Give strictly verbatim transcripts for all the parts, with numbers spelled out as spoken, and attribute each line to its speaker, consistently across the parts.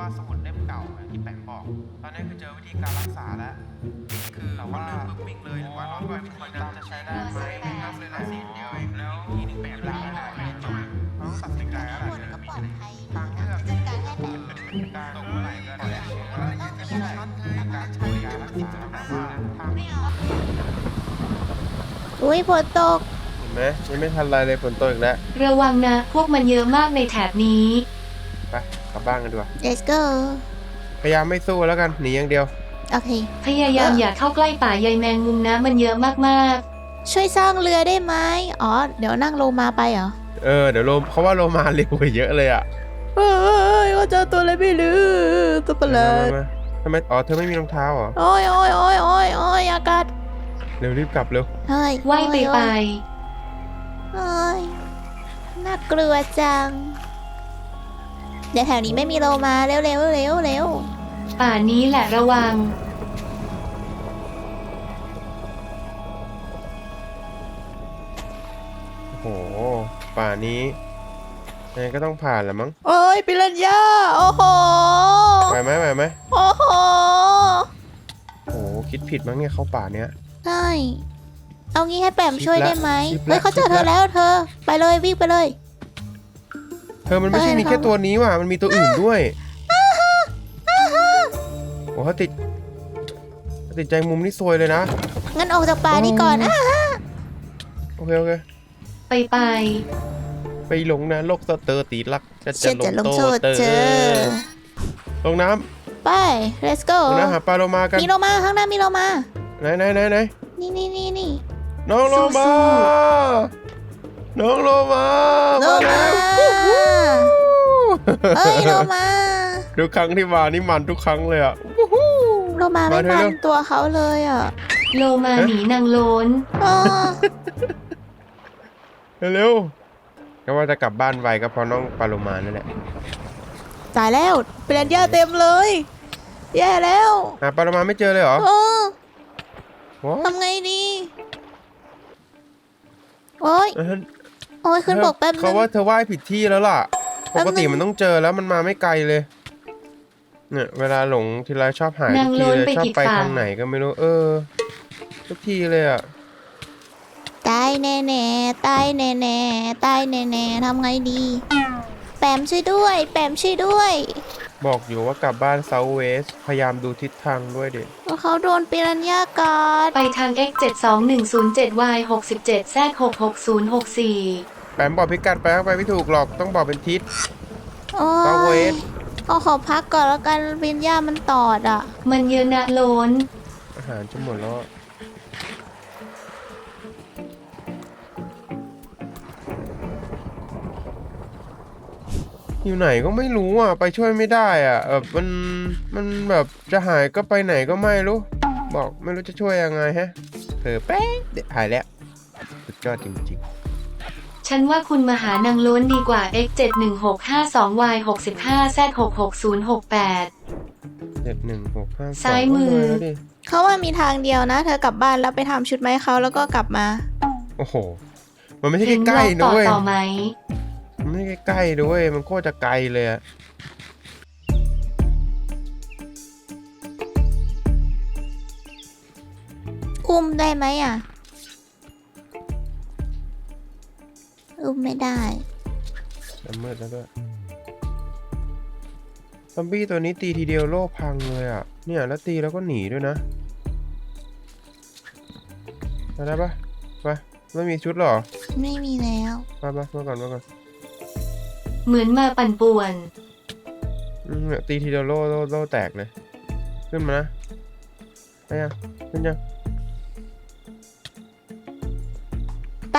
Speaker 1: ว่าสมุดเล่มเก่าที่แปะบอกตอนนี้คือเจอวิธีการรักษาแล้วคือแต่ว่าปึ๊บวิ่งเลยหรือว่าร้อนไว้วิธีการจะใช้ได้ไหมไม่ครับเลยละสิเดียวเองแล้วทีนึงแปะได้ไม่ได้ไม่จบเราต้องตัดสินใจอะไรเลยทางเลือกคือการตกเมื่อไหร่ก็ได้ไม่ใช่การใช้การรักษาแต่ว่าทาง
Speaker 2: อุ้ยฝนตก
Speaker 3: เห็นไหมยังไม่ทันไรเลยฝนตกอีกแล้ว
Speaker 4: ระวังนะพวกมันเยอะมากในแถบนี้
Speaker 3: ไปกลับบ้านกันดีกว่า
Speaker 2: let's go
Speaker 3: พยายามไม่สู้แล้วกันหนีอย่างเดียว
Speaker 2: โอเค
Speaker 4: พยายามอย่าเข้าใกล้ป่าใยแมงมุมนะมันเยอะมาก
Speaker 2: ช่วยสร้างเรือได้ไหมอ๋อ เดี๋ยวนั่งโลมาไปเหรอ
Speaker 3: เออเดี๋ยวโลมเขาว่าโลมาเร็วกว่าเยอะเลยอ่ะ
Speaker 2: เฮ้ยก็เจอตัวอะไรไม่รู้ตัวประหลาด
Speaker 3: มามาทำไมอ๋อเธอไม่มีรองเท้าเหรอ
Speaker 2: โอ้ยโอ้ยโอ้ยโอ้ยโอ้ยอากาศ
Speaker 3: เร็วรีบกลับเร็ว
Speaker 2: เฮ้ย
Speaker 4: ๆว่ายไปไป
Speaker 2: เฮ้ยน่ากลัวจัง เดี๋ยวแถวนี้ไม่มีโลมาเร็วเร็วเร็วเร็ว
Speaker 4: ป่านี้แหละระวัง
Speaker 3: โอ้โหป่านี้ยังไงก็ต้องผ่านแหละมั้ง
Speaker 2: โอ้ยปิรันย่าโอ้โห
Speaker 3: ไหวไหมไหวไหม
Speaker 2: โอ้โห
Speaker 3: โอ้โหคิดผิดมั้งเนี่ยเข้าป่าเนี้ย
Speaker 2: ใช่เอางี้ให้แปมช่วยได้ไหม
Speaker 3: ชิปละ
Speaker 2: เฮ้ยเขาเจอ
Speaker 3: ชิปละ
Speaker 2: เธอแล้วเธอ ไปเลยวิ่งไปเลย
Speaker 3: เธอมันไม่ใช่
Speaker 2: เอ้ย
Speaker 3: มีแค่
Speaker 2: เขา
Speaker 3: ตัวนี้ว่ะมันมีตัวอื่นด้วยโอ้เขาติดเขาติดใจมุมนี่ซวยเลยนะ
Speaker 2: งั้นออกจากป่านี้ก่อนอ่ะ
Speaker 3: โอเคโอเค
Speaker 4: ไปไป
Speaker 3: ไปลงนะโลกสเตอร์ตีลักจะ
Speaker 2: เชื่อจะลงโทษเจอ
Speaker 3: ลงน้
Speaker 2: ไป let's go
Speaker 3: ำลงน้ำหาปลาโลมากัน
Speaker 2: มีโลมาข้างหน้ามีโลมา
Speaker 3: ไหนไหนไหนไหน
Speaker 2: นี่นี่นี่นี่
Speaker 3: น้องโลมา น้องโลมา
Speaker 2: โล
Speaker 3: มา
Speaker 2: มา
Speaker 3: แล้ว
Speaker 2: เอ้ยโลมา
Speaker 3: ทุกครั้งที่มานี่มันทุกครั้งเลยอ่ะ
Speaker 2: โลมาไม่
Speaker 3: มาเถอะ
Speaker 2: มั
Speaker 3: เร็
Speaker 2: น
Speaker 3: ว
Speaker 2: ตัวเขาเลยอ่ะ
Speaker 4: โลมาหนีนางโลน
Speaker 2: อ๋อ
Speaker 3: เร็วๆก็ว่าจะกลับบ้านไวก็เพราะน้องปลาโลมานั่นแหละ
Speaker 2: ตายแล้วเปลี่ยนย่าเต็มเลย แย่แล้ว
Speaker 3: หาปลาโลมาไม่เจอเลยเหรอ
Speaker 2: โอ้
Speaker 3: ว้า
Speaker 2: ทำไงดีโอ้ย
Speaker 3: เออ
Speaker 2: โอ้ยขึ้นบกแป๊บนึ
Speaker 3: เขา
Speaker 2: ง
Speaker 3: ว่าเธอว่ายผิดที่แล้วล่ะ
Speaker 2: แป๊
Speaker 3: ป
Speaker 2: บนึง
Speaker 3: กติมันต้องเจอแล้วมันมาไม่ไกลเลย เนี่ยเวลาหลงทีไรชอบหายทุ
Speaker 4: นาง
Speaker 3: ก
Speaker 4: โล
Speaker 3: ที
Speaker 4: น
Speaker 3: เลย
Speaker 4: ไป
Speaker 3: ชอบ
Speaker 4: ผิด
Speaker 3: ไป
Speaker 4: ฝั่
Speaker 3: ทาง งไหนก็ไม่รู้ เออ ทุกทีเลยอ่ะ
Speaker 2: ตายแน่แน่ๆตายแน่แน่ๆตายแน่แน่ๆทำไงดี แปมช่วยด้วย แปมช่วยด้วย
Speaker 3: บอกอยู่ว่ากลับบ้านเซาท์เวสพยายามดูทิศทางด้วยเด็ก
Speaker 2: ว่าเขาโดนปิรันย่ากัด
Speaker 4: ไปทาง x เจ็ดสองหนึ่งศูนย์เจ็ด y หกสิบเจ็ด z หกหกศูนย์หกสี่
Speaker 3: แปมบอกพิกัดไปเข้าไปไม่ถูกหรอกต้องบอกเป็นทิศ
Speaker 2: โอ้
Speaker 3: เซาท์เวย ส
Speaker 2: เอาขอพักก่อนแล้วกันปิรันย่ามันตอดอ่ะ
Speaker 4: มันเยอะนะโลน
Speaker 3: อาหารจะหมดแล้วอะอยู่ไหนก็ไม่รู้อ่ะ ไปช่วยไม่ได้อ่ะแบบมันมันแบบจะหายก็ไปไหนก็ไม่รู้ บอกไม่รู้จะช่วยยังไงฮะเผลอแป๊บเดี๋ยวหายแล้วสุดยอดจริง
Speaker 4: ฉันว่าคุณมาหานางโลนดีกว่า x เจ็ดหนึ่งหกห้าสอง y หกสิบห้า z หกหกศูนย์หกแปด
Speaker 3: ๆเจ็ดหนึ่งหกห้า
Speaker 4: ซ้ายมือ
Speaker 3: แล้วดิ
Speaker 2: เขาว่ามีทางเดียวนะ เธอกลับบ้านแล้วไปทำชุดไม้เขาแล้วก็กลับมา
Speaker 3: โอ้โห มันไม่ใช่
Speaker 4: ถึง
Speaker 3: ใก
Speaker 4: ล
Speaker 3: ล้
Speaker 4: อง
Speaker 3: ๆ
Speaker 4: ต่
Speaker 3: นะ
Speaker 4: อ
Speaker 3: เว้ย
Speaker 4: ต่อไหม
Speaker 3: มันไม่ใช่ใกล้ๆด้วย มันโคตรจะไกลเลยอะ
Speaker 2: อุ้มได้ไหมอ่ะ อุ้มไม่ได้
Speaker 3: จะมืดแล้วด้วยซอมบี้ตัวนี้ตีทีเดียวโลกพังเลยอ่ะ เนี่ยแล้วตีแล้วก็หนีด้วยนะมาได้ปะไปไม่มีชุดหรอ
Speaker 2: ไม่มีแล้ว
Speaker 3: มาปะมาก่อนมาก่อน
Speaker 4: เหมือนมาปั่นป่วน
Speaker 3: อืมเนี่ยตีทีเดียวโลโลโลแตกเลย ขึ้นมานะไปยังขึ้นยัง
Speaker 2: ไป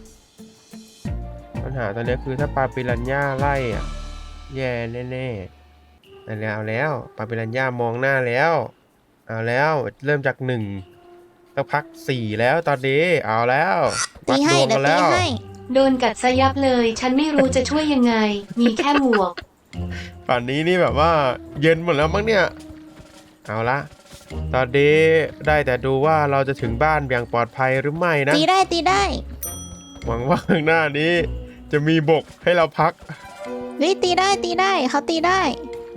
Speaker 3: ปัญหาตอนนี้คือถ้าปลาปิรันย่าไล่อ่ะ แย่แน่ๆเอาแล้วเอาแล้วปลาปิรันย่ามองหน้าแล้ว เอาแล้วเริ่มจากหนึ่งสักพักสี่แล้วตอนนี้เอาแล้ววั
Speaker 2: ตี
Speaker 3: ด
Speaker 2: ให้
Speaker 3: ดวง
Speaker 2: เดี๋
Speaker 3: กั
Speaker 2: ยวน ตี
Speaker 3: แล้ว
Speaker 2: ให้
Speaker 4: โดนกัดซะยับเลย ฉันไม่รู้จะช่วยยังไง มีแค่หมวก
Speaker 3: ป่านนี้นี่แบบว่าเย็นหมดแล้วมั้งเนี่ย เอาละตอนนี้ได้แต่ดูว่าเราจะถึงบ้านอย่างปลอดภัยหรือไม่นะ
Speaker 2: ตีได้ตีได้
Speaker 3: หวังว่าข้างหน้านี้จะมีบกให้เราพัก
Speaker 2: วิตีได้ตีได้เขาตีได้
Speaker 3: เ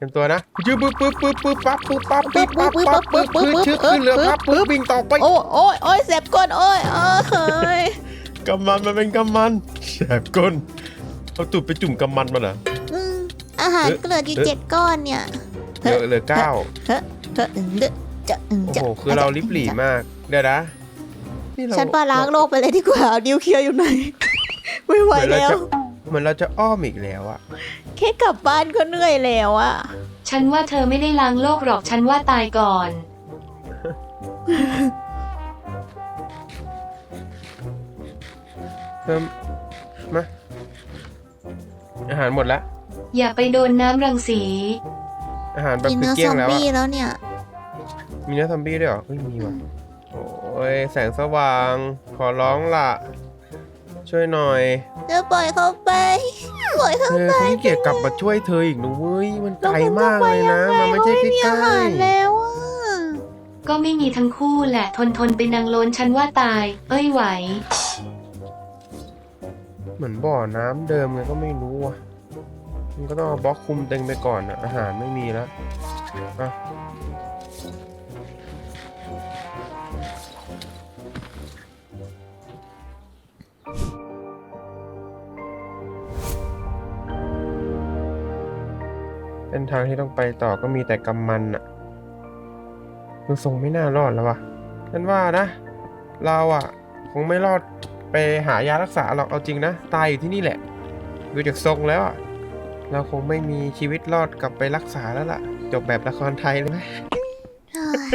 Speaker 3: เตรียมตัวนะยืบปึ๊บปึ๊บปึ๊บปึ๊บปั๊บปึ๊บปั๊บปึ๊บปั๊บปั๊บปึ๊บปึ๊บชื่อขึ้นเรือปั๊บปึ๊บวิ่งต่อไป
Speaker 2: โอ้โอ้ยโอ้ยเสบก้นโอ้ยเอ้ย
Speaker 3: กำมันมันเป็นกำมันแสบก้นเอาตูดไปจุ่มกำมันมาเหรอ
Speaker 2: อืมอาหารเกลืออยู่เจ็ดก้อนเนี่ย
Speaker 3: เหลือเหลือเก้า
Speaker 2: เฮ้เฮ้อึงเดอะจะอึง
Speaker 3: โอ้
Speaker 2: จะ
Speaker 3: โหคือเราลิบหลี่มากเดี๋ยวนะนี่เรา
Speaker 2: ฉันว่าล้างโลกไปเลยดีกว่าเอานิ้วเคลียร์อยู่ไหน ไม่ไหว
Speaker 3: เหมือนเรา
Speaker 2: แล้ว
Speaker 3: จะเหมือนเราจะอ้อมอีกแล้วอะ
Speaker 2: แค่กลับบ้านก็เหนื่อยแล้วอะ
Speaker 4: ฉันว่าเธอไม่ได้ล้างโลกหรอกฉันว่าตายก่อน
Speaker 3: เพิ่มมาอาหารหมดแล้ว
Speaker 4: อย่าไปโดนน้ำรังสี
Speaker 3: อาหารแบบ
Speaker 2: กิน
Speaker 3: คือ
Speaker 2: เนื้อ
Speaker 3: เกลี้
Speaker 2: ซ
Speaker 3: ยง
Speaker 2: อม
Speaker 3: แล้ว
Speaker 2: บี้
Speaker 3: อะ
Speaker 2: แล้วเนี่ย
Speaker 3: มีเนื้อซอมบี้ด้วยเหรอเฮ้ยมีว่ะโอ้ยแสงสว่างขอร้องล่ะ ช่วยหน่อย
Speaker 2: จะปล่อยเขาไปปล่อยเขา
Speaker 3: เธอ
Speaker 2: ไป
Speaker 3: เขาขี้เกียจกลับมาช่วยเธออีกนะเว้ยมันไกลมากเลยนะ
Speaker 2: แล้ว
Speaker 3: มันไม่ใช่
Speaker 2: เขาไม่มี
Speaker 3: ใก
Speaker 2: อา
Speaker 3: ล้
Speaker 2: หารแล้วอะ
Speaker 4: ก็ไม่มีทั้งคู่แหละทนทนไปนางโล้นฉันว่าตาย เอ้ยไหว
Speaker 3: ๆเหมือนบ่อน้ำเดิมไงก็ไม่รู้อ่ะมันก็ต้องเอาบล็อกคุมเต็งไปก่อนอะอาหารไม่มีแล้วอ่ะเส้นทางที่ต้องไปต่อก็มีแต่กำมันอะดูทรงไม่น่ารอดแล้ววะฉันว่านะ เราอะคงไม่รอดไปหายารักษาหรอกเอาจริงนะตายอยู่ที่นี่แหละดูจากทรงแล้วอะเราคงไม่มีชีวิตรอดกลับไปรักษาแล้วล่ะ จบแบบละครไทยเลยไหม
Speaker 2: เฮ้ย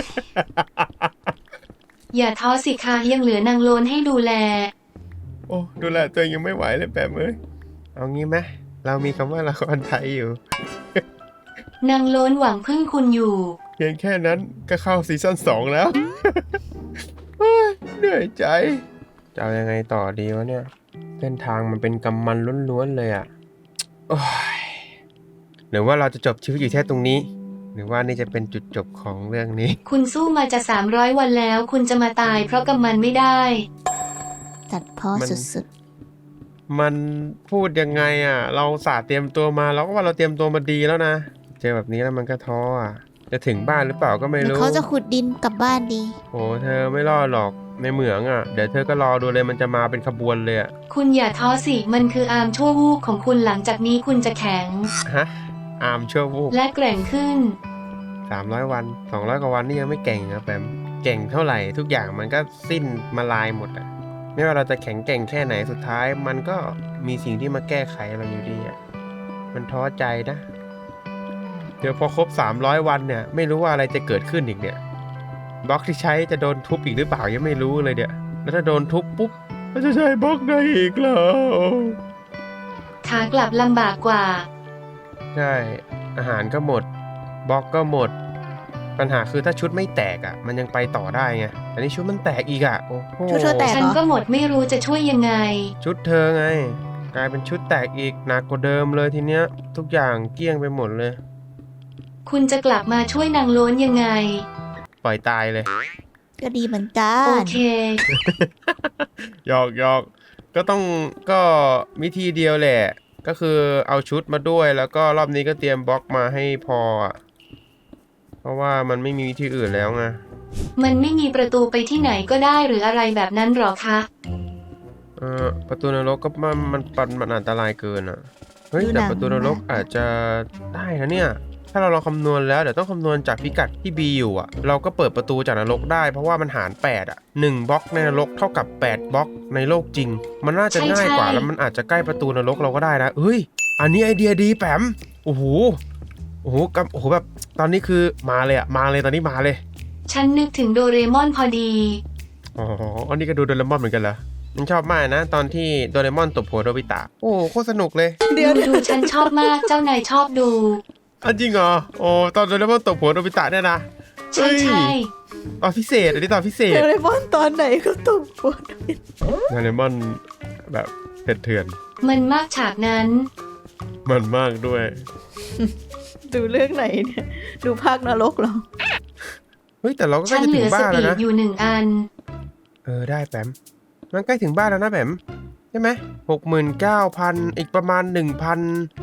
Speaker 4: อย่าท้อสิคะยังเหลือนางโล้นให้ดูแล
Speaker 3: โอ้ดูแลตัวเองยังไม่ไหวเลยแบบเอ้ยเอางี้ไหมเรามีคำว่าละครไทยอยู่
Speaker 4: นางโล้นหวังพึ่งคุณอยู่
Speaker 3: เพียงแค่นั้นก็เข้าซีซั่นสองแล้ว เฮ้ยเหนื่อยใจ จะเอายังไงต่อดีวะเนี่ย เส้นทางมันเป็นกำมันล้วนๆเลยอะโอ้ยหรือว่าเราจะจบชีวิตอยู่แค่ตรงนี้ หรือว่านี่จะเป็นจุดจบของเรื่องนี้
Speaker 4: คุณสู้มาจะสามร้อยวันแล้ว คุณจะมาตายเพราะกำมันไม่ได้
Speaker 2: ตัดเพ้อ
Speaker 3: มัน
Speaker 2: สุด
Speaker 3: มันพูดยังไงอะเราสาเตรียมตัวมาเราก็ว่าเราเตรียมตัวมาดีแล้วนะ เจอแบบนี้แล้วมันก็ท้ออะจะถึงบ้านหรือเปล่าก็
Speaker 2: ๆ
Speaker 3: ไม่
Speaker 2: หรือ
Speaker 3: รู้
Speaker 2: เขาจะขุดดินกลับบ้านดี
Speaker 3: โอ้เธอไม่รอดหรอกในเหมืองอะเดี๋ยวเธอก็รอดูเลยมันจะมาเป็นขบวนเลยอะ
Speaker 4: คุณอย่าท้อสิ มันคืออาร์มชั่ววูบของคุณหลังจากนี้คุณจะแข็ง
Speaker 3: ฮะอาร์มชั่ววูบ
Speaker 4: และแกร่งขึ้น
Speaker 3: สามร้อยวันสองร้อยกว่าวันนี่ยังไม่เก่งนะแปมเก่งเท่าไหร่ทุกอย่างมันก็สิ้นมาลายหมดอะไม่ว่าเราจะแข็งแกร่งแค่ไหนสุดท้าย มันก็มีสิ่งที่มาแก้ไขเราอยู่ดีอะมันท้อใจนะเดี๋ยวพอครบสามร้อยวันเนี่ยไม่รู้ว่าอะไรจะเกิดขึ้นอีกเนี่ยบล็อกที่ใช้จะโดนทุบอีกหรือเปล่ายังไม่รู้เลยเนี่ยแล้วถ้าโดนทุบปุ๊บก็จะใช้บล็อกได้อีกเหรอ
Speaker 4: ขากลับลำบากกว่า
Speaker 3: ใช่อาหารก็หมดบล็อกก็หมด ปัญหาคือถ้าชุดไม่แตกอ่ะ มันยังไปต่อได้ไงอันนี้ชุดมันแตกอีกอ่ะโอ้โห
Speaker 2: ชุดเธอแตก
Speaker 4: ฉันก็หมดไม่รู้จะช่วยยังไง
Speaker 3: ชุดเธอไง กลายเป็นชุดแตกอีกหนักกว่าเดิมเลยทีเนี้ย ทุกอย่างเกลี้ยงไปหมดเลย
Speaker 4: คุณจะกลับมาช่วยนางโล้นยังไง
Speaker 3: ปล่อยตายเลย
Speaker 2: ก็ดีเหมือนกั
Speaker 4: โอน เค
Speaker 3: หยอกหยอกก็ต้องก็วิธีเดียวแหละ ก็คือเอาชุดมาด้วยแล้วก็รอบนี้ก็เตรียมบล็อกมาให้พออ่ะเพราะว่ามันไม่มีวิธีอื่นแล้วไง
Speaker 4: มันไม่มีประตูไปที่ไหนก็ได้หรืออะไรแบบนั้นหรอคะ
Speaker 3: เออประตูนรกก็มันมันมันมันอันตรายเกินอ่ะเฮ้ย
Speaker 2: ดูหนั
Speaker 3: แต่
Speaker 2: ง
Speaker 3: ประตูนรก
Speaker 2: นะ
Speaker 3: อาจจะได้นะเนี่ย ถ้าเราลองคำนวณแล้วเดี๋ยวต้องคำนวณจากพิกัดที่ B อยู่อ่ะ เราก็เปิดประตูจากนรกได้เพราะว่ามันหารแปดอ่ะหนึ่งบล็อกในนรกเท่ากับแปดบล็อกในโลกจริง มันน่าจะ
Speaker 4: ใช่
Speaker 3: ง่ายกว่า
Speaker 4: ใช่
Speaker 3: แล้วมันอาจจะใกล้ประตูนรกเราก็ได้นะเฮ้ยอันนี้ไอเดียดีแปมโอ้โหโอ้โหกับโอ้โหแบบตอนนี้คือมาเลยอ่ะมาเลยตอนนี้มาเลย
Speaker 4: ฉันนึกถึงโดเรมอนพอดี
Speaker 3: อ๋ออันนี้ก็ดูโดเรมอนเหมือนกันเหรอมันชอบมากนะ ตอนที่โดเรมอนตบหัวโดบิตะโอ้โคตรสนุกเลย
Speaker 2: เดี๋ยว
Speaker 4: ดูดูฉันชอบมากเจ้านายชอบดู
Speaker 3: อันจริงเหรอโอ้ตอนโดเรมอนตบหัวโดบิตะเนี่ยนะ
Speaker 4: ใช่ใช่
Speaker 3: ตอนพิเศษอันนี้ตอนพิเศษ
Speaker 2: โดเรมอนตอนไหนก็ต้องปวด
Speaker 3: โดเรมอนแบบเถื่อน
Speaker 4: มันมากฉากนั้น
Speaker 3: ๆมันมากด้วย
Speaker 2: ดูเรื่องไหนเนี่ย ดูภาคนรกเหรอ
Speaker 3: เฮ้ยแต่เราก็ใก
Speaker 4: ฉั
Speaker 3: ล้
Speaker 4: น
Speaker 3: จะ
Speaker 4: เห
Speaker 3: ถึ
Speaker 4: ลื
Speaker 3: ง
Speaker 4: อส
Speaker 3: บ้าน
Speaker 4: ปี
Speaker 3: แล้ว
Speaker 4: ด
Speaker 3: นะ
Speaker 4: อยู่หนึ่งอัน
Speaker 3: เออได้แปมมันใกล้ถึงบ้านแล้วนะแปมใช่ไหมหกหมื่นเก้าพันอีกประมาณหนึ่งพัน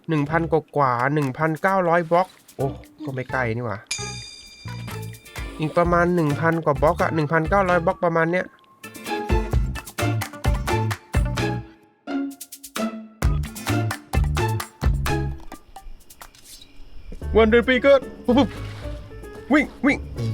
Speaker 3: หนึ่งพันกว่ากว่าหนึ่งพันเก้าร้อยบล็อกโอ้ก็ไม่ใกล้นี่หว่าอีกประมาณหนึ่งพันกว่าบล็อกอะหนึ่งพันเก้าร้อยบล็อกประมาณเนี้ยวันเดือนปีเกิดปุ๊บปุ๊บวิ่งวิ่ง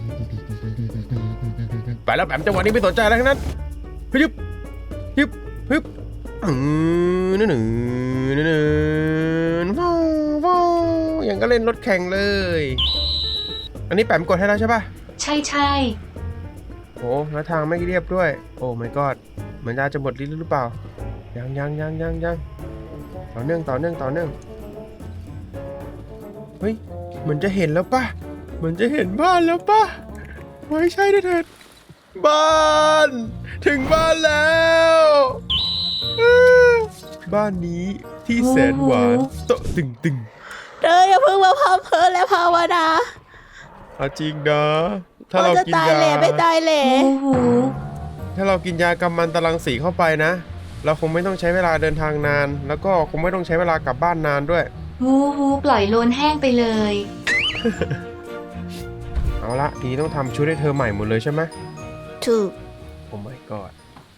Speaker 3: ไปแล้วแปมจังหวะนี้ไม่สนใจอะไรทั้งนั้นฮึบฮึบฮึบอืมนึ่งหนึ่งนึ่งหนึ่งว้าวว้าวอย่างก็เล่นรถแข่งเลยอันนี้แปมกดให้แล้วใช่ป่ะ
Speaker 4: ใช่ใช่
Speaker 3: โอ้แล้วทางไม่เรียบด้วยโอ้ my god เหมือนจะจะหมดลิ้นหรือเปล่ายังยังยังยังยังต่อเนื่องต่อเนื่องต่อเนื่องเฮ้ยเหมือนจะเห็นแล้วป่ะเหมือนจะเห็นบ้านแล้วป่ะไม่ใช่ด้วยเถิดบ้านถึงบ้านแล้วบ้านนี้ที่แสนหวานโตะตึงตึง
Speaker 2: เธออย่าเพิ่งมาพัมเพอและภาวนา
Speaker 3: เอาจริงนะถ้าเรา
Speaker 2: จะ
Speaker 3: กิน
Speaker 2: ตาย
Speaker 3: ยา
Speaker 2: เหล่ไม่ตายเหล่
Speaker 4: หูหู
Speaker 3: ถ้าเรากินยากำมันตรังสีเข้าไปนะเราคงไม่ต้องใช้เวลาเดินทางนาน แล้วก็คงไม่ต้องใช้เวลากลับบ้านนานด้วย
Speaker 4: หูหูปล่อยโลนแห้งไปเลย
Speaker 3: เอาละทีนี้ต้องทำชุดให้เธอใหม่หมดเลยใช่ไหม
Speaker 2: ถูก
Speaker 3: โอ้ my god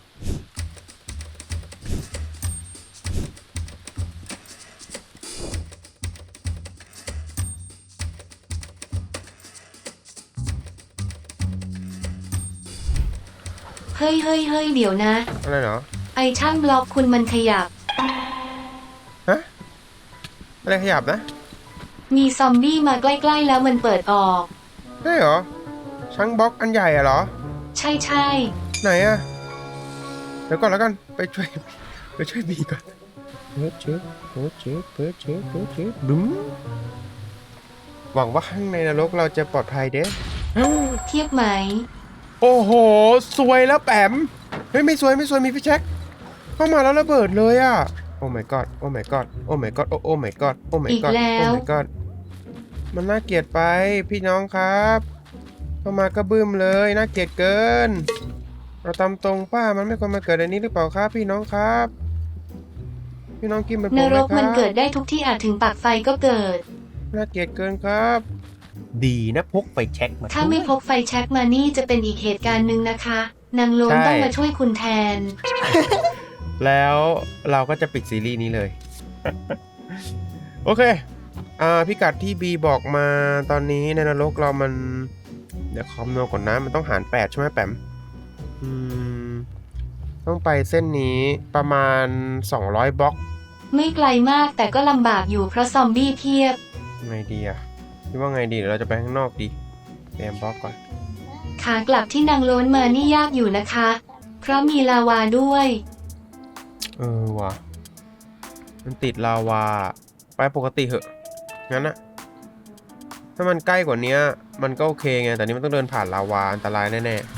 Speaker 4: เฮ้ยเฮ้ยเฮ้ยเดี๋ยวนะ
Speaker 3: อะไรเหรอ
Speaker 4: ไอช่างบล็อกคุณมันขยับ
Speaker 3: ฮะอะไรขยับนะ
Speaker 4: มีซอมบี้มาใกล้ๆแล้วมันเปิดออก
Speaker 3: ใช่เหรอช่างบล็อกอันใหญ่อะเหรอ
Speaker 4: ใช่ใช่
Speaker 3: ไหนอะเดี๋ยวก่อนแล้วกันไปช่วยไปช่วยบีก่อนเปิดเช็คเปิดเช็คเปิดเช็คเปิดเช็คบึ้มหวังว่าข้างในนรกเราจะปลอดภัยเด้
Speaker 4: เทียบไหม
Speaker 3: โอ้โหสวยแล้วแปมเฮ้ยไม่สวยไม่สวยมีพี่แจ็คเข้ามาแล้วระเบิดเลยอะโอ้ my god โอ้ my god โอ้ my god โอ้ my god โอ้ my
Speaker 4: อีก
Speaker 3: god
Speaker 4: แล้
Speaker 3: โอ้
Speaker 4: ว
Speaker 3: my god มันน่าเกลียดไปพี่น้องครับเข้ามาก็บึ้มเลยน่าเกลียดเกินเราตามตรงป้ามันไม่ควรมาเกิดในนี้หรือเปล่าครับพี่น้องครับ พี่น้องกินเป็นผม
Speaker 4: น
Speaker 3: ไหม
Speaker 4: ร
Speaker 3: ค
Speaker 4: กมัน
Speaker 3: รับ
Speaker 4: เกิดได้ทุกที่อาจถึงปากไฟก็เกิด
Speaker 3: น่าเกลียดเกินครับ ดีนะพกไปเช็คมา
Speaker 4: ถ้าไม่พกไฟแช็กมานี่จะเป็นอีกเหตุการณ์หนึ่งนะคะ นางโลนต้องมาช่วยคุณแทน
Speaker 3: แล้วเราก็จะปิดซีรีส์นี้เลย โอเคอ่าพิกัดที่บีบอกมาตอนนี้ในนรกเรามันเดี๋ยวคอมโนก่อนนะมันต้องหารแปดใช่ไหมแปมอืมต้องไปเส้นนี้ประมาณสองร้อยบล็อก
Speaker 4: ไม่ไกลมากแต่ก็ลำบากอยู่เพราะซอมบี้เพียบ
Speaker 3: ไงดีอะคิดว่าไงดีเดี๋ยวเราจะไปข้างนอกดีเตรียมบล็อกก่อน
Speaker 4: ขากลับที่นางโลนมานี่ยากอยู่นะคะ เพราะมีลาวาด้วย
Speaker 3: เออว่ะมันติดลาวาไปปกติเหอะงั้นอะถ้ามันใกล้กว่านี้มันก็โอเคไงแต่นี้มันต้องเดินผ่านลาวาอันตรายแน่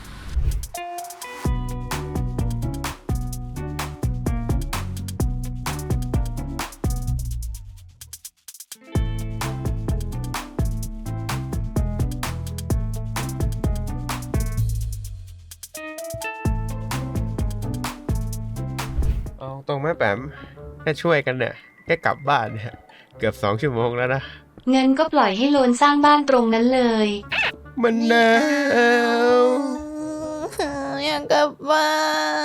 Speaker 3: ๆเอาตรงไหมแปมแค่ช่วยกันเนี่ยแค่กลับบ้านเนี่ยเกือบสองชั่วโมงแล้วนะ
Speaker 4: งั้นก็ปล่อยให้โลนสร้างบ้านตรงนั้นเลย
Speaker 3: มันหนาว
Speaker 2: อยากกลับบ้าน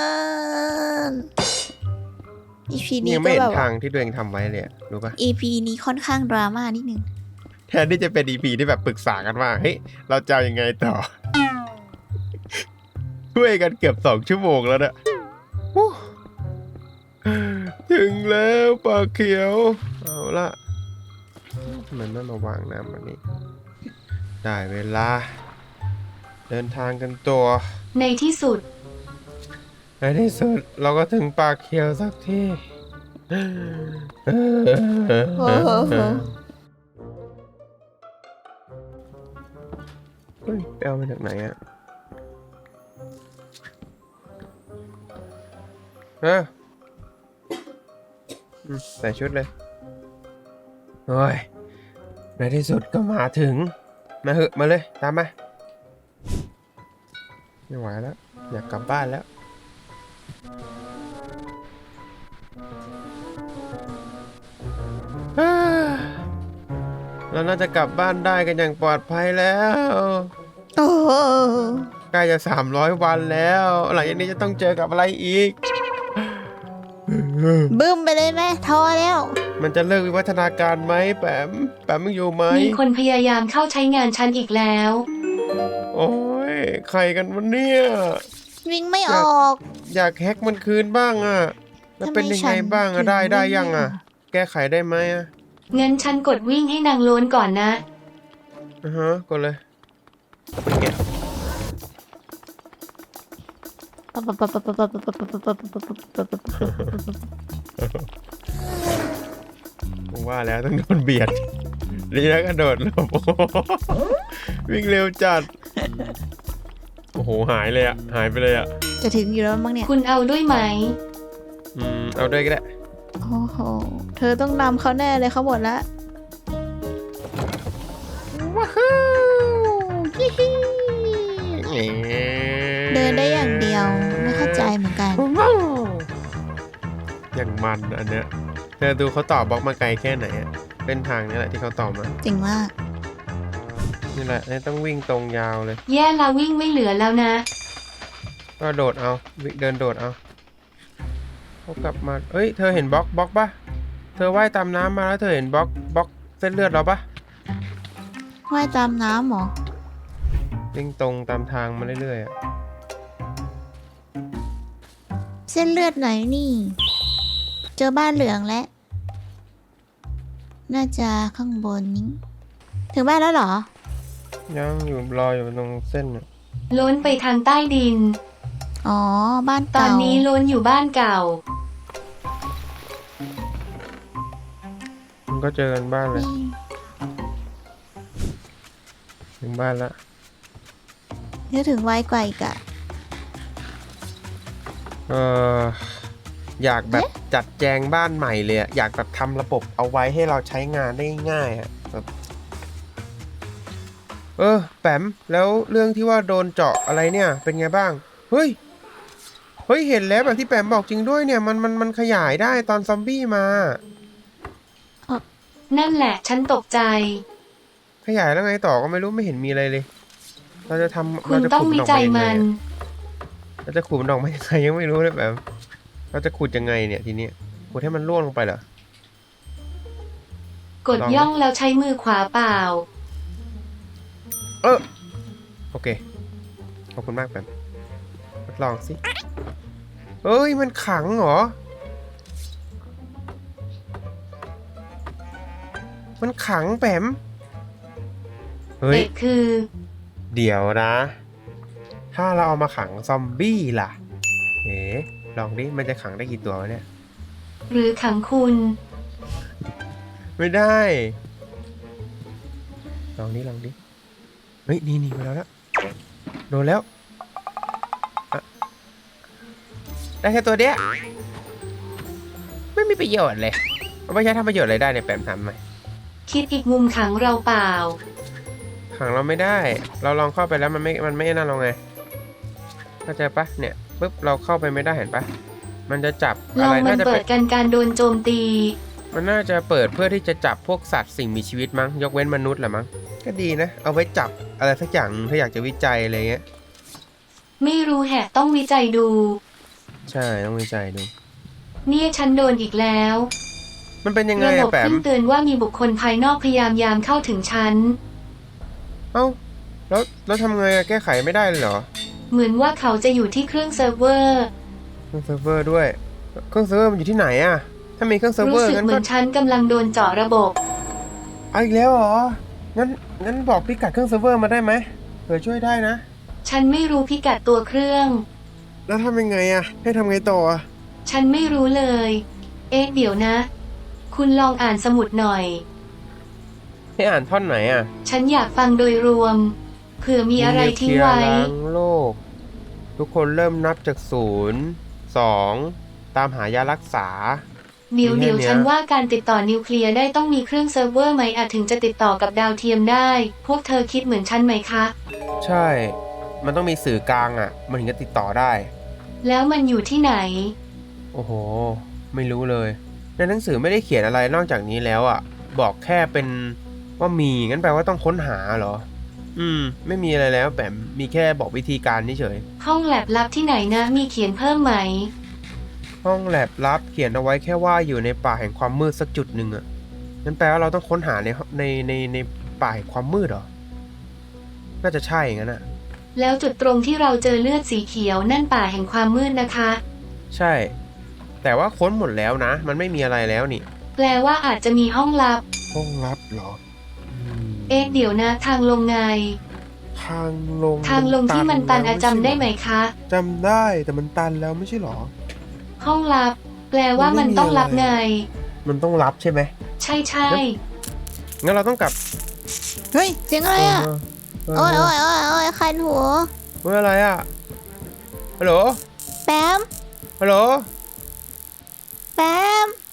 Speaker 2: อี พี นี้
Speaker 3: ยัง
Speaker 2: ก็
Speaker 3: ไม่เห็
Speaker 2: แบ
Speaker 3: น
Speaker 2: บ
Speaker 3: ทางที่ตัวเองทำไว้เลยอะรู้ปะ
Speaker 2: อี พี นี้ค่อนข้างดราม่านิดนึง
Speaker 3: แทนที่จะเป็น อี พี ที่แบบปรึกษากันว่าเฮ้ยเราจะเอายังไงต่อ ช่วยกันเกือบสองชั่วโมงแล้วนะโอ้ถึงแล้วปลาเขียว เอาละทำไมไม่มาวางน้ำแบบนี้ ได้เวลา เดินทางกันตัว
Speaker 4: ในที่สุด
Speaker 3: ในที่สุดเราก็ถึงปลาเขียวสักที
Speaker 2: โอ้โห
Speaker 3: เฮ้ยไปเอามาจากไหนอะเอออืมใส่ชุดเลย โอ้ย ในที่สุดก็มาถึง มาเหอะมาเลย ตามมา ไม่ไหวแล้ว อยากกลับบ้านแล้ว ออ่าเราน่าจะกลับบ้านได้กันอย่างปลอดภัยแล้ว
Speaker 2: โอ้โห
Speaker 3: ใกล้จะสามร้อยวันแล้ว หลังจากนี้จะต้องเจอกับอะไรอีก
Speaker 2: บึ้มไปเลยไหมทอแล้ว
Speaker 3: มันจะเลิกวิวัฒนาการไหมแปมแปมมึงอยู่ไหม
Speaker 4: มีคนพยายามเข้าใช้งานฉันอีกแล้ว
Speaker 3: โอ้ยใครกันวะเนี่ย
Speaker 2: วิ่งไม่ออก
Speaker 3: อยากแฮกมันคืนบ้างอะแล้วเป็นยังไงบ้างอะได้ได้ยังอะแก้ไขได้ไหมอะ
Speaker 4: งั้นฉันกดวิ่งให้นางโล้นก่อนนะ
Speaker 3: อือฮะกดเลยแกะผมว่าแล้วต้องโดนเบียดดีแล้วกระโดดหลบ วิ่งเร็วจัด โอ้โหหายเลยอะหายไปเลยอะ
Speaker 2: จะถึงอยู่แล้วมั้งเนี่ย
Speaker 4: คุณเอาด้วยไหม
Speaker 3: อืมเอาด้วยก็ได้
Speaker 2: โอ้โห เธอต้องนำเขาแน่เลยเขาหมดละ
Speaker 3: ว้าวฮิฮิ
Speaker 2: เดินได้อย่างเดียว ไม่เข้าใจเหมือนกัน
Speaker 3: อย่างมันอันเนี้ยเธอดูเขาต่อบล็อกมาไกลแค่ไหนอะเป็นทางนี้แหละที่เขาต่อมา
Speaker 2: จริงมาก
Speaker 3: นี่แหละนี่ต้องวิ่งตรงยาวเลย
Speaker 4: แย่ละวิ่งไม่เหลือแล้วนะ
Speaker 3: ก็โดดเอาวิ่งเดินโดดเอาเขากลับมาเอ้ยเธอเห็นบล็อกบล็อกปะเธอว่ายตามน้ำมาแล้วเธอเห็นบล็อกบล็อกเส้นเลือดเราปะ
Speaker 2: ว่ายตามน้ำเหรอ
Speaker 3: วิ่งตรงตามทางมาเรื่อยๆอะ
Speaker 2: เส้นเลือดไหนนี่ เจอบ้านเหลืองแล้ว น่าจะข้างบนนี้ ถึงบ้านแล้วเหรอ
Speaker 3: ยังอยู่รออยู่ตรงเส้นอะ
Speaker 4: โล้นไปทางใต้ดิน
Speaker 2: อ๋อ บ้าน
Speaker 4: ตอ
Speaker 2: เก่า
Speaker 4: นนี้โล้นอยู่บ้านเก่า
Speaker 3: มันก็เจอกันบ้านเลย
Speaker 2: นี่
Speaker 3: ถึงบ้านละ
Speaker 2: เดี๋ยวถึงไวกว่าอีกอะ
Speaker 3: เอออยากแบบจัดแจงบ้านใหม่เลยอะอยากแบบทำระบบเอาไว้ให้เราใช้งานได้ง่ายอะแบบเออแปมแล้วเรื่องที่ว่าโดนเจาะอะไรเนี่ยเป็นไงบ้างเฮ้ยเฮ้ยเห็นแล้วแบบที่แปมบอกจริงด้วยเนี่ยมันมันมันขยายได้ตอนซอมบี้มา
Speaker 4: นั่นแหละฉันตกใจ
Speaker 3: ขยายแล้วไงต่อก็ไม่รู้ไม่เห็นมีอะไรเลย เราจะทำ
Speaker 4: คุ
Speaker 3: เรา
Speaker 4: ณ
Speaker 3: จะ
Speaker 4: ต้อง
Speaker 3: ขุด
Speaker 4: วิ
Speaker 3: มันออก
Speaker 4: จั
Speaker 3: มาย ยังไง
Speaker 4: มัน
Speaker 3: อะเราจะขุดมันออกมายังไงยังไม่รู้เลยแบบเราจะขุดยังไงเนี่ยทีนี้ขุดให้มันร่วงลงไปเหรอก
Speaker 4: ด
Speaker 3: ลองไหม
Speaker 4: ย่องแล้วใช้มือขวาเปล่า
Speaker 3: เออโอเคขอบคุณมากแปมทดลองสิเอ้ยมันขังเหรอมันขังแปมเฮ้ย
Speaker 4: เอกคือ
Speaker 3: เดี๋ยวนะ ถ้าเราเอามาขังซอมบี้ล่ะเอ๋ลองดิมันจะขังได้กี่ตัววะเนี่ย
Speaker 4: หรือขังคุณ
Speaker 3: ไม่ได้ ลองดิลองดิเฮ้ยนี่นี่มาแล้วละโดนแล้วอะได้แค่ตัวเดียวไม่มีประโยชน์เลยมันไม่ใช่ทำประโยชน์อะไรได้เนี่ยแปมทำไหม
Speaker 4: คิดอีกมุมขังเราเปล่า
Speaker 3: ขังเราไม่ได้ เราลองเข้าไปแล้วมันไม่มันไม่นั่นเราไงเข้าใจปะเนี่ยปุ๊บเราเข้าไปไม่ได้เห็นปะมันจะจับ
Speaker 4: ล
Speaker 3: อะ
Speaker 4: อง
Speaker 3: ไร
Speaker 4: มัน
Speaker 3: น่าจะ
Speaker 4: เปิ
Speaker 3: เป็
Speaker 4: ด
Speaker 3: น
Speaker 4: กันการโดนโจมตี
Speaker 3: มันน่าจะเปิดเพื่อที่จะจับพวกสัตว์สิ่งมีชีวิตมั้งยกเว้นมนุษย์แหละมั้งก็ดีนะ เอาไว้จับอะไรสักอย่างถ้าอยากจะวิจัยอะไรเงี้ย
Speaker 4: ไม่รู้แฮะต้องวิจัยดู
Speaker 3: ใช่ต้องวิจัยดู
Speaker 4: เนี่ยฉันโดนอีกแล้ว
Speaker 3: มันเป็นยังไง
Speaker 4: ระบ
Speaker 3: อะ
Speaker 4: บ
Speaker 3: แปม
Speaker 4: ขึ้นเตือนว่ามีบุคคลภายนอกพยายามยามเข้าถึงฉัน
Speaker 3: เอ้าแล้วแล้วทำไงอะแก้ไขไม่ได้เลยเหรอ
Speaker 4: เหมือนว่าเขาจะอยู่ที่เครื่องเซิร์ฟเวอร์
Speaker 3: เครื่องเซิร์ฟเวอร์ด้วยเครื่องเซิร์ฟเวอร์มันอยู่ที่ไหนอะถ้ามีเครื่องเซิร์ฟเว
Speaker 4: รู้
Speaker 3: อร์
Speaker 4: สึก
Speaker 3: งั้น
Speaker 4: เหมื
Speaker 3: ก็
Speaker 4: อนฉันกำลังโดนเจาะระบบ
Speaker 3: เอาอีกแล้วเหรองั้นงั้นบอกพิกัดเครื่องเซิร์ฟเวอร์มาได้ไหมเผื่อช่วยได้นะ
Speaker 4: ฉันไม่รู้พิกัดตัวเครื่อง
Speaker 3: แล้วทำยังไงอะให้ทำไงต่ออะ
Speaker 4: ฉันไม่รู้เลย เอ๊ะเดี๋ยวนะ คุณลองอ่านสมุดหน่อย
Speaker 3: ให้อ่านท่อนไหนอะ
Speaker 4: ฉันอยากฟังโดยรวม เผื่อมีอะไรทิ้งไว้
Speaker 3: นิวเคลียร์ล้างโลก ทุกคนเริ่มนับจากศูนย์สองตามหายารักษา
Speaker 4: เดี๋ยว
Speaker 3: มีแค่
Speaker 4: เดี๋ยว
Speaker 3: เนี้ย
Speaker 4: ฉันว่าการติดต่อนิวเคลียร์ได้ต้องมีเครื่องเซิร์ฟเวอร์ไหมอาจถึงจะติดต่อกับดาวเทียมได้ พวกเธอคิดเหมือนฉันไหมคะ
Speaker 3: ใช่ มันต้องมีสื่อกลางอะมันถึงจะติดต่อได้
Speaker 4: แล้วมันอยู่ที่ไหน
Speaker 3: โอ้โห ไม่รู้เลยในหนังสือไม่ได้เขียนอะไรนอกจากนี้แล้วอ่ะ บอกแค่เป็นว่ามีงั้นแปลว่าต้องค้นหาเหรอ อืม ไม่มีอะไรแล้วแบบมีแค่บอกวิธีการเฉย
Speaker 4: ห้องแลบลับที่ไหนนะมีเขียนเพิ่มไหม
Speaker 3: ห้องแลบลับเขียนเอาไว้แค่ว่าอยู่ในป่าแห่งความมืดสักจุดหนึ่งอ่ะงั้นแปลว่าเราต้องค้นหาในในในในป่าแห่งความมืดเหรอ น่าจะใช่งั้นอ่ะ
Speaker 4: แล้วจุดตรงที่เราเจอเลือดสีเขียวนั่นป่าแห่งความมืดนะคะ
Speaker 3: ใช่ แต่ว่าค้นหมดแล้วนะ มันไม่มีอะไรแล้วนี่
Speaker 4: แปลว่าอาจจะมีห้องลับ
Speaker 3: ห้องลับเหรออืม
Speaker 4: เอ๊ะเดี๋ยวนะทางลงไง
Speaker 3: ทางลง
Speaker 4: ทางลงที่มันตันอะ
Speaker 3: แล้ว
Speaker 4: จำได้ไหม
Speaker 3: ใช่
Speaker 4: คะ
Speaker 3: จำได้แต่มันตันแล้วไม่ใช่เหรอ
Speaker 4: ห้องลับ แปลว่ามันต้องลับไง
Speaker 3: มันต้องรับใช่ไหม
Speaker 4: ใช่ใช่
Speaker 3: งั้นเราต้องกลับ
Speaker 2: เฮ้ยเสียงอะไรอ่ะ
Speaker 3: เออ
Speaker 2: โอ้ย
Speaker 3: เอ
Speaker 2: โอ้
Speaker 3: อย
Speaker 2: โอ้ยโอ้ยคันหัว
Speaker 3: เฮ้ยอะไรอ่ะ ฮัลโหล
Speaker 2: แปม
Speaker 3: ฮัลโหล
Speaker 2: แปม